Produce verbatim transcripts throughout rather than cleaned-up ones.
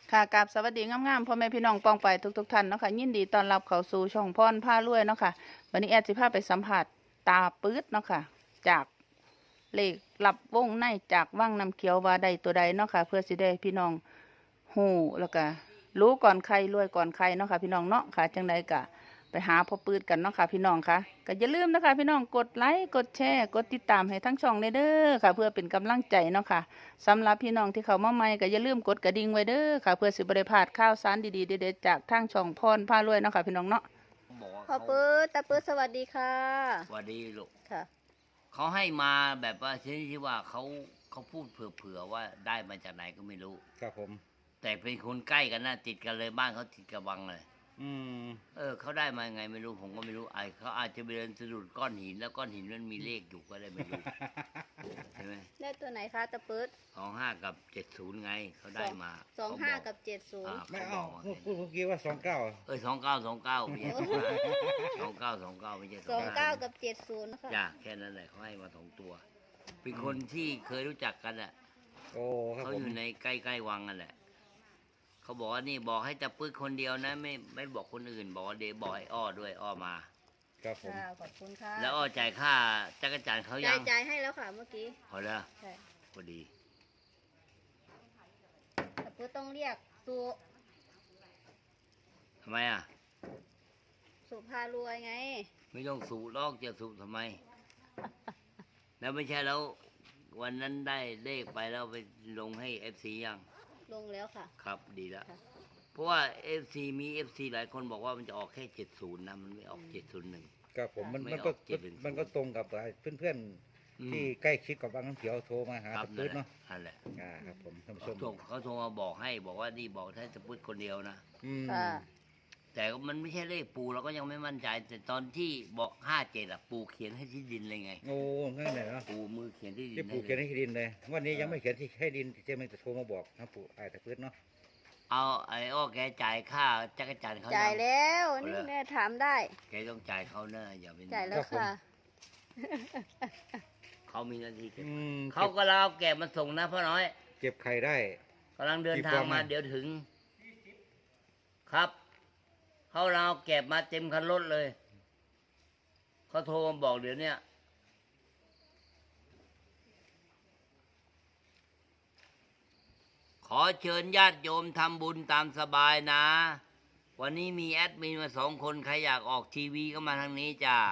ค่ะกราบสวัสดีงามๆพ่อแม่พี่น้องปองไปทุกๆท่านเนาะค่ะยินดีต้อนรับเข้าสู่ช่องพรพารวยเนาะค่ะวันนี้แอดสิพาไปสัมผัสตาปื๊ดเนาะค่ะจากเลขลับวงในจากว่างน้ำเขียวว่าใดตัวใดเนาะค่ะเพื่อสิได้พี่น้องฮู้แล้วก็รู้ก่อนใครรวยก่อนใครเนาะค่ะพี่น้องเนาะค่ะจังใดก็ไปหาพ่อปื๊ดกันเนาะค่ะพี่น้องค่ะก็อย่าลืมนะคะพี่น้องกดไลค์กดแชร์กดติดตามให้ทั้งช่องเลยเด้อค่ะเพื่อเป็นกำลังใจเนาะค่ะ สำหรับพี่น้องที่เขามาใหม่ก็อย่าลืมกดกระดิ่งไว้เด้อค่ะเพื่อสิบริพลาดข่าวสารดีๆเด็ดๆจากทางช่องพรพารวยเนาะค่ะพี่น้องเนาะบอกว่าพ่อเขาปื๊ดตาปื๊ดสวัสดีค่ะสวัสดีลูกค่ะเขาให้มาแบบว่าชนิดที่ว่าเขาเขาพูดเผื่อๆว่าได้มาจากไหนก็ไม่รู้ครับผมแต่เป็นคนใกล้กันนะติดกันเลยบ้านเขาติดกระบังเลยอืมเออเขาได้มาไงไม่รู้ผมก็ไม่รู้ไอเขาอาจจะไปเดินสะดุดก้อนหินแล้วก้อนหินมันมีเลขอยู่ก็ได้ไม่รู้ใช่ไหมได้ตัวไหนคะตาปื๊ดสองห้ากับเจ็ดศูนย์ไงเขาได้มาสองห้ากับเจ็ดศูนย์ไม่เขาบเอาอกพูดพูดเมื่อกี้ว่าสองเก้าเออสองเก้าสองเก้าไม่ใช่สองเก้าสองเก้าไม่ใช่สองเก้ากับเจ็ดศูนย์นะคะจ้ะแค่นั้นแหละเขาให้มาสองตัวเป็นคนที่เคยรู้จักกันแหละโอ้ครับเขาผมอยู่ในใกล้ๆวังนั่นแหละเขาบอกว่านี่บอกให้จะปื้ดคนเดียวนะไม่ไม่บอกคนอื่นบอกว่าเดบอกให้อ้อด้วยอ้อมาครับผมค่ะขอบคุณค่ะแล้วอ้อจ่ายค่าจักรจันทร์เขายัจ่าง ยจ่ายให้แล้วค่ะเมื่อกี้พอแล้วใช่พอดีตาปื๊ดต้องเรียกสุทำไมอ่ะสุภารวยไงไม่ต้องสูลอกจะสูทำไม แล้วไม่ใช่แล้ววันนั้นได้เลขไปแล้วไปลงให้เอฟซียังลงแล้วค่ะครับดีแล้วเพราะว่าเอฟซีมีเอฟซีหลายคนบอกว่ามันจะออกแค่เจ็ดศูนย์นะมันไม่ออกเจ็ดศูนย์หนึ่งครับผมมันมันก็มันก็ตรงกับเพื่อนๆที่ใกล้ชิดกับบางน้ำเขียวโทรมาหาตะปื๊ดเนาะนั่นแหละอ่าครับผมท่านผู้ชมเขาโทรมาบอกให้บอกว่านี่บอกถ้าจะพูดคนเดียวนะค่ะแต่มันไม่ใช่เลขปูเราก็ยังไม่มั่นใจแต่ตอนที่บอกห้าเจ็ดอะปูเขียนให้ที่ดินเลยไงโอ้ง่ายเลยเนาะปูมือเขียนที่ดินที่ปูเขียนให้ดินเลยวันนี้ยังไม่เขียนที่ให้ดินเจ๊มันจะโทรมาบอกนะปูไอ้ตะปื๊ดเนาะเอาไอ้อ้อแกจ่ายค่าจักรจันทร์เขาจ่ายแล้วนี่แม่ถามได้แกต้องจ่ายเขาเนอะอย่าเป็นจ่ายแล้วค่ะเขามีหน้าที่เก็บเขาก็เราแกะมาส่งนะพ่อน้อยเก็บไข่ได้กำลังเดินทางมาเดี๋ยวถึงครับเขาเราแกะมาเต็มคันรถเลยเขาโทรมาบอกเดี๋ยวนี้ขอเชิญญาติโยมทำบุญตามสบายนะวันนี้มีแอดมินมาสองคนใครอยากออกทีวีก็มาทางนี้จ้า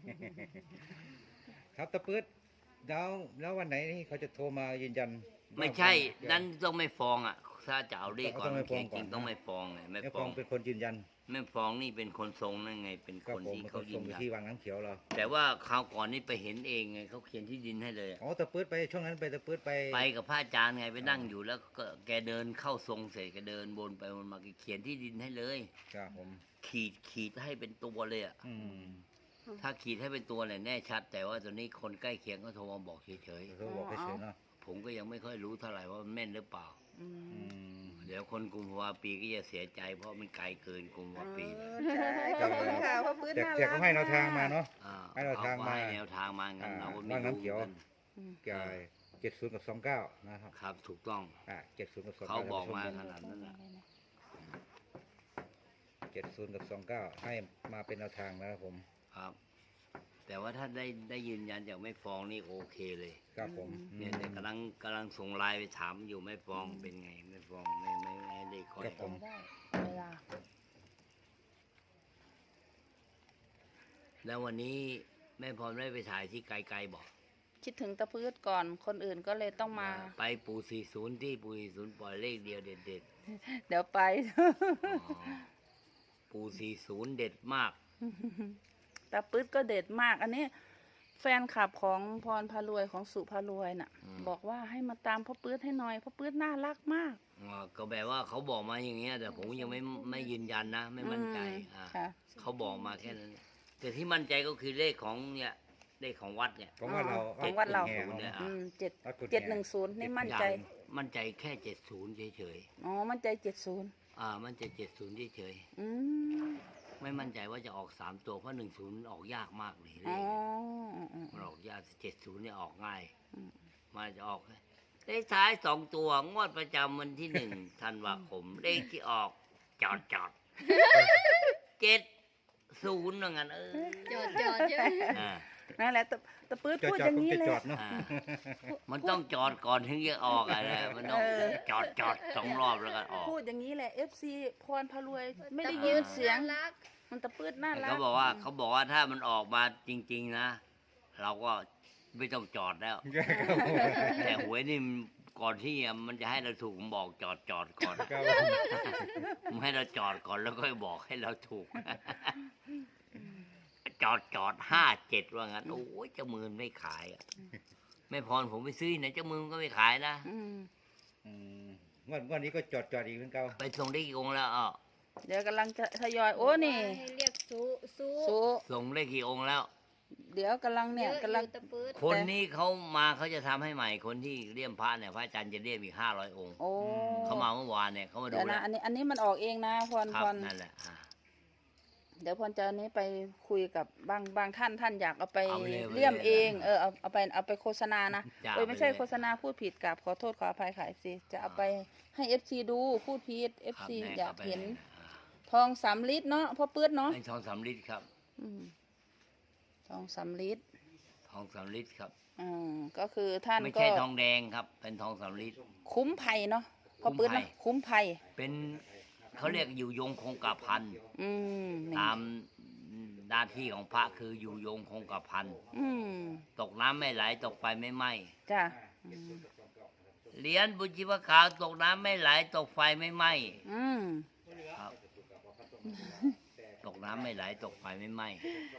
ครับตะปื๊ดแล้วแล้ววันไหนนี่เขาจะโทรมายืนยันไม่ใช่นั้นต้องไม่ฟ้องอ่ะถ้าจะเอาเลขก่อนเขียนจริงต้องไม่ฟ้องไงไม่ฟ้องเป็นคนยืนยันไม่ฟ้องนี่เป็นคนทรงนั่นไงเป็นคนที่เขายืนยันที่วางน้ำเขียวเราแต่ว่าคราวก่อนนี่ไปเห็นเองไงเขาเขียนที่ดินให้เลยอ๋อตะปื๊ดไปช่วงนั้นไปตะปื๊ดไปไปกับพระอาจารย์ไงไปนั่งอยู่แล้วก็แกเดินเข้าทรงเสร็จแกเดินบนไปบนมาเขียนที่ดินให้เลยครับผมขีดขีดให้เป็นตัวเลยอ่ะถ้าขีดให้เป็นตัวเนี่ยแน่ชัดแต่ว่าตอนนี้คนใกล้เคียงก็โทรมาบอกเฉยๆโทรบอกเฉยๆเนาะผมก็ยังไม่ค่อยรู้เท่าไหร่ว่ามันแม่นหรือเปล่าเดี๋ยวคนกุมภาวะปีก็จะเสียใจเพราะมันไกลเกินกุมภาวะปีขอบคุณค่ะพ่อปื๊ดน่ารักแต่เขาให้แนวทางมาเนาะให้แนวทางมาแนวทางมางั้นเราก็ไม่รู้เขียวแกเจ็ดศูนย์กับสองเก้านะครับครับถูกต้องอ่าเจ็ดศูนย์กับสองเขาบอกมาขนาดนั้นแหละเจ็ดศูนย์กับสองเก้าให้มาเป็นแนวทางนะครับผมครับแต่ว่าถ้าได้ได้ยืนยันจากไม่ฟ้องนี่โอเคเลยครับผมเนี่ยเนี่ยกำลังกำลังส่งไลน์ไปถามอยู่ไม่ฟ้องเป็นไงไม่ฟ้องไม่ไม่ไม่ให้เลขค่อยแล้ววันนี้แม่พรได้ไปถ่ายที่ไกลๆบอกคิดถึงตะพืชก่อนคนอื่นก็เลยต้องมาไปปูสี่ศูนย์ที่ปูสี่ศูนย์ปล่อยเลขเดียวเด็ดเด็ดเดี๋ยวไปปูสี่ศูนย์เด็ดมากตาปื๊ดก็เด็ดมากอันนี้แฟนคลับของพรพารวยของสุพารวยน่ะบอกว่าให้มาตามพ่อปื๊ดให้หน่อยพ่อปื๊ดน่ารักมากก็แบบว่าเขาบอกมาอย่างเงี้ยแต่ผมยังไม่ไม่ยืนยันนะไม่มั่นใจเขาบอกมาแค่นั้นแต่ที่มั่นใจก็คือเลขของเนี่ยเลขของวัดเนี่ยของวัดเราของวัดเราเนี่ยเจ็ดเจ็ดหนึ่งศูนย์นี่มั่นใจมั่นใจแค่เจ็ดศูนย์เฉยๆอ๋อมั่นใจเจ็ดศูนย์อ่ามั่นใจเจ็ดศูนย์เฉยๆไม่มั่นใจว่าจะออกสามตัวเพราะหนึ่งศูนย์ออกยากมากเลยมันออกยากเจ็ดศูนย์เนี่ยออกง่ายมาจะออกเลขท้ายสองตัวงวดประจำวันที่หนึ่งธันวาคมเลขที่ออกจอดจอดเจ็ดศูนย์ว่างั้นเออจอดจอดใช่ไหมอ่านั่นแหละตะตะปื๊ดจอดพูดจออดย่างผมนี้จะเลยจอดเนาะอ่ามันต้องจอดก่อนถึงจะออกอะไรมันต้องเออจอดจอดสองรอบแล้วก็ออกพูดอย่างนี้แหละ เอฟ ซี พรพารวยไม่ได้ตะยิปื๊นเสียงน่ารักมันตะปื๊ดน่าแต่รักเขาบอกว่าเขาบอกว่าถ้ามันออกมาจริง ๆ นะ เราก็ไม่ต้องจอดแล้ว แต่หวยนี่มันก่อนที่มันจะให้เราถูกมันบอกจอดจอดก่อนครับมันให้เราจอดก่อนแล้วก็บอกให้เราถูก จอดจอดห้าเจ็ดว่างั้นโอ้ยเจ้ามือไม่ขายอะไม่พรผมไปซื้อไหนเจ้ามือก็ไม่ขายนะอืมอืมงวดงวดนี้ก็จอดจอดอีกเหมือนเก่าไปส่งได้กี่องค์แล้วอ่ะเดี๋ยวกำลังจะทยอย โอ้นี่ให้เรียกซูซูสูส่งได้กี่องค์แล้วเดี๋ยวกำลังเนี่ยเยอะกำลังอยู่ตะปื๊ดคนนี้เขามาเขาจะทำให้ใหม่คนที่เลี่ยมพระเนี่ยพระอาจารย์จะเลี่ยมอีกห้าร้อยองค์โอ้เขามาเมื่อวานเนี่ยเขามาดูเดี๋ยวแล้นะวอันนี้อันนี้มันออกเองนะพรครับพรนั่นแหละอ่าเดี๋ยวพรจะเอานี้ไปคุยกับบางบางท่านท่านอยากเอาไปเอาไปเลยเลี่ยมเอาไปเลยเอง เออเอาเอาไปเอาไปโฆษณานะจ้ะโอ้ยไม่ใช่เอาไปเลยโฆษณาพูดผิดกับขอโทษขออภัยค่ะเอฟซีจะเอาไปให้เอฟซีดูพูดผิดเอฟครับซีแน่อยากไปเห็นลยอ่าทองสามลิตรเนาะพ่อปื๊ดเนาะให้ทองสามลิตรครับอืมทองสามลิตรทองสามลิตรครับอืมก็คือท่านไม่ก็ใช่ทองแดงครับ เป็นทองสามลิตรคุ้มภัยเนาะพ่อปื๊ดเนาะคุ้มภัยเป็นเขาเรียกอยู่ยงคงกระพันอืมนี่ตามหน้าที่ของพระคืออยู่ยงคงกระพันอืมตกน้ำไม่ไหลตกไฟไม่ไหม้จ้ะอืมเหรียญบุญชีวขาวตกน้ำไม่ไหลตกไฟไม่ไหม้อืมครับ ตกน้ำไม่ไหลตกไฟไม่ไหม้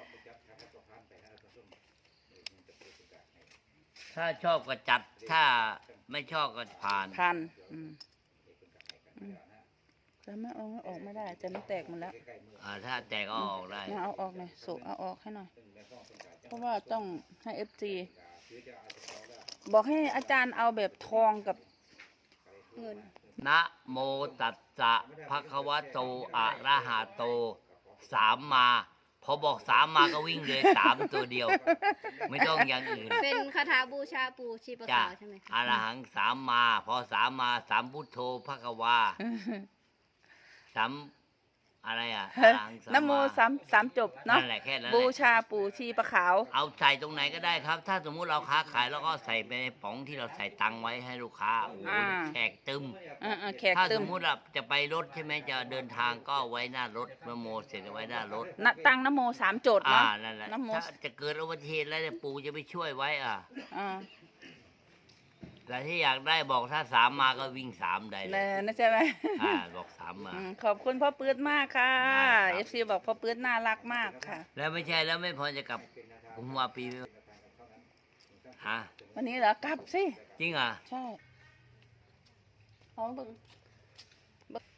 ถ้าชอบก็จัดถ้าไม่ชอบก็ผ่านพันอืมอืมจะไม่เอาไม่ออกไม่ได้ จะไม่แตกหมันแล้วอ่าถ้าแตกก็เอาออกได้มาเอาออกหน่อยสุเอาออกให้หน่อย เพราะว่าต้องให้เอฟซีบอกให้อาจารย์เอาแบบทองกับเงินนะโมตัสสะภะคะวะโตอะระหะโตสามมา พอบอกสามมาก็วิ่งเลยสามตัวเดียว ไม่ต้องอย่างอื่นเป็นคาถาบูชาปู่ชีปะจ้ะขาวใช่ไหมคะอะระหังสามมา พอสามมาสามพุทโธภะคะวาสามอะไรอ่ะอะระหังสามนะโมสามสามจบเนาะนั่นแหละแค่นั้นแหบูละชาปู่ชีปะขาวเอาใส่ตรงไหนก็ได้ครับ ถ้าสมมุติเราค้าขายแล้วก็ใส่ไปในป๋องที่เราใส่ตังค์ไว้ให้ลูกค้าโอ้โหอ่าแขกตึมเออเออแขกถ้าตึสมมมุติว่าจะไปรถใช่ไหมจะเดินทางก็ไว้หน้ารถนะโมเสร็จไว้หน้ารถนะตั้งนะโมสามโจทย์อ่าเนาะนั่นแหละนะโมถ้าจะเกิดอุบัติเหตุแล้วเนี่ยปู่จะไปช่วยไว้อ่ะอ่าแต่ที่อยากได้บอกถ้าสามมาก็วิ่งสามได้เลเลยยนะใช่ไหมอ่าบอกสามมาอืมขอบคุณพ่อปื๊ดมากค่ะได้ครับเอฟซีบอกพ่อปื๊ดน่ารักมากค่ะแล้วไม่ใช่แล้วไม่พอจะกลับกุมภาปีไหมฮะวันนี้เหรอกลับสิจริงเหรอ่ะใช่เอาเบิ่งเบิ่ง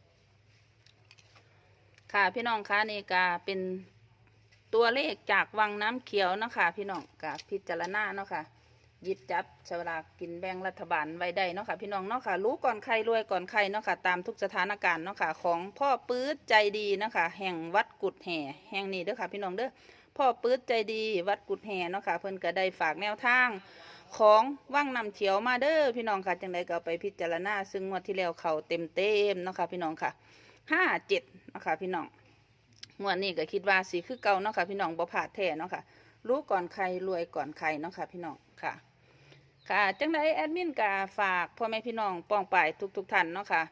ค่ะพี่น้องคะนี่ก็เป็นตัวเลขจากวังน้ำเขียวเนาะคะพี่น้องกับพิจารณาเนาะค่ะหยิบจับสลากกินแบ่งรัฐบาลไว้ได้เนาะค่ะพี่น้องเนาะค่ะรู้ก่อนใครรวยก่อนใครเนาะค่ะตามทุกสถานการณ์เนาะค่ะของพ่อปื๊ดใจดีเนาะค่ะแห่งวัดกุดแห่แห่งนี้เด้อค่ะพี่น้องเด้อพ่อปื๊ดใจดีวัดกุดแห่เนาะค่ะเพิ่นก็ได้ฝากแนวทางของว่างนำเขียวมาเด้อพี่น้องค่ะจังใดก็เอาไปพิจารณาซึ่งงวดที่แล้วเขาเต็มเต็มๆเนาะค่ะพี่น้องค่ะห้าเจ็ดเนาะค่ะพี่น้องงวดนี้ก็คิดว่าสีคือเก่าเนาะค่ะพี่น้องบ่ผาดแท้เนาะค่ะรู้ก่อนใครรวยก่อนใครเนาะค่ะพี่น้องค่ะค่ะจังใดแอดมินก็ฝากพ่อแม่พี่น้องป้องป่ายทุกๆท่านเนาะค่ะ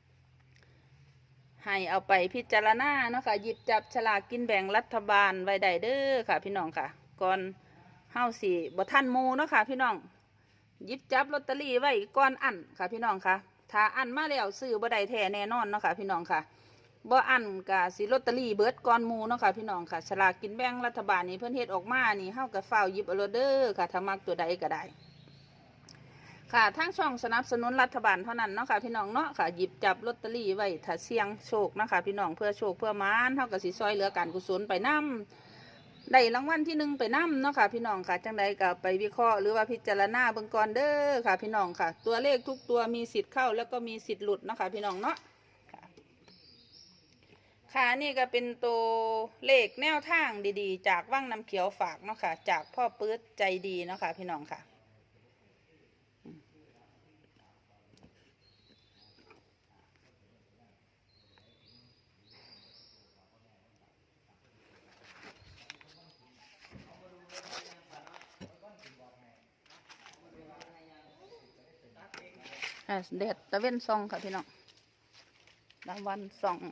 ให้เอาไปพิจารณาเนาะค่ะหยิบจับฉลากกินแบ่งรัฐบาลไว้ได้เด้อค่ะพี่น้องค่ะก่อนเฮาสิบ่ทันหมู่เนาะค่ะพี่น้องหยิบจับลอตเตอรี่ไว้ก่อนอันค่ะพี่น้องค่ะถ้าอันมาแล้วซื้อบ่ได้แท้แน่นอนเนาะค่ะพี่น้องค่ะบ่อันก็สิลอตเตอรี่เบิดก่อนหมู่เนาะค่ะพี่น้องค่ะฉลากกินแบ่งรัฐบาลนี่เพิ่นเฮ็ดออกมานี่เฮาก็ฟ้าวหยิบเอาโลดเด้อค่ะถ้ามักตัวใดก็ได้ค่ะทางช่องสนับสนุนรัฐบาลเท่านั้นเนาะค่ะพี่น้องเนาะค่ะหยิบจับลอตเตอรี่ไว้ถ้าเสี่ยงโชคเนาะค่ะพี่น้องเพื่อโชคเพื่อหมานเฮาก็สิซอยเหลือการกุศลไปนำได้รางวัลที่หนึ่งไปนำเนาะค่ะพี่น้องค่ะจังใดก็ไปวิเคราะห์หรือว่าพิจารณาเบิ่งก่อนเด้อค่ะพี่น้องค่ะตัวเลขทุกตัวมีสิทธิ์เข้าแล้วก็มีสิทธิ์หลุดเนาะค่ะพี่น้องเนาะค่ะค่ะนี่ก็เป็นตัวเลขแนวทางดีๆ จากว่างน้ำเขียวฝากเนาะค่ะจากพ่อปื๊ดใจดีเนาะค่ะพี่น้องค่ะอ่าแดดตะเว้นส่องค่ะพี่น้องตะวันส่อง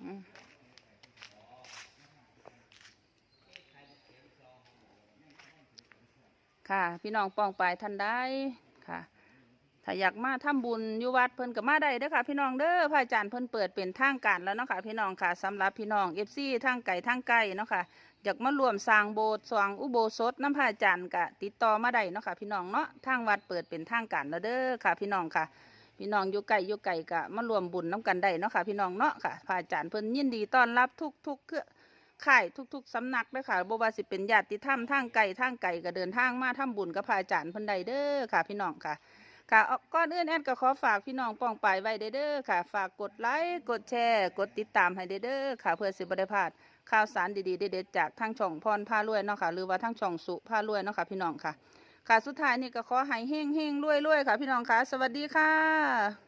ค่ะพี่น้องป้องไปท่านได้ค่ะถ้าอยากมาทำบุญอยู่วัดเพิ่นก็มาได้เด้อค่ะพี่น้องเด้อพระอาจารย์เพิ่นเปิดเป็นทางการแล้วเนาะค่ะพี่น้องค่ะสำหรับพี่น้องเอฟซีทางไก่ทางไก่เนาะค่ะอยากมารวมสร้างโบสถ์สร้างอุโบสถน้ำพระอาจารย์ก็ติดต่อมาได้เนาะค่ะพี่น้องเนาะทางวัดเปิดเป็นทางการแล้วเด้อค่ะพี่น้องค่ะพี่น้องอยู่ไก่อยู่ไก่ก็มารวมบุญน้ำกันได้เนาะค่ะพี่น้องเนาะค่ะพระอาจารย์เพิ่นยินดีต้อนรับทุกทุกเครือข่ายทุกๆสำนักเด้อค่ะบ่ว่าสิเป็นญาติธรรมทางไก่ทางไก่ก็เดินทางมาทำบุญกับพระอาจารย์เพิ่นได้เด้อค่ะพี่น้องค่ะค่ะก่อนอื่นแอดก็ขอฝากพี่น้องป้องไปไว้เด้อค่ะฝากกดไลค์กดแชร์กดติดตามให้เด้อค่ะเพื่อสิบ่ได้พลาดข่าวสารดีๆเด็ดๆจากทางช่องพรพารวยเนาะค่ะหรือว่าทางช่องสุพารวยเนาะค่ะพี่น้องค่ะค่ะสุดท้ายนี่ก็ขอให้เฮงเฮงรวยรวยค่ะพี่น้องค่ะสวัสดีค่ะ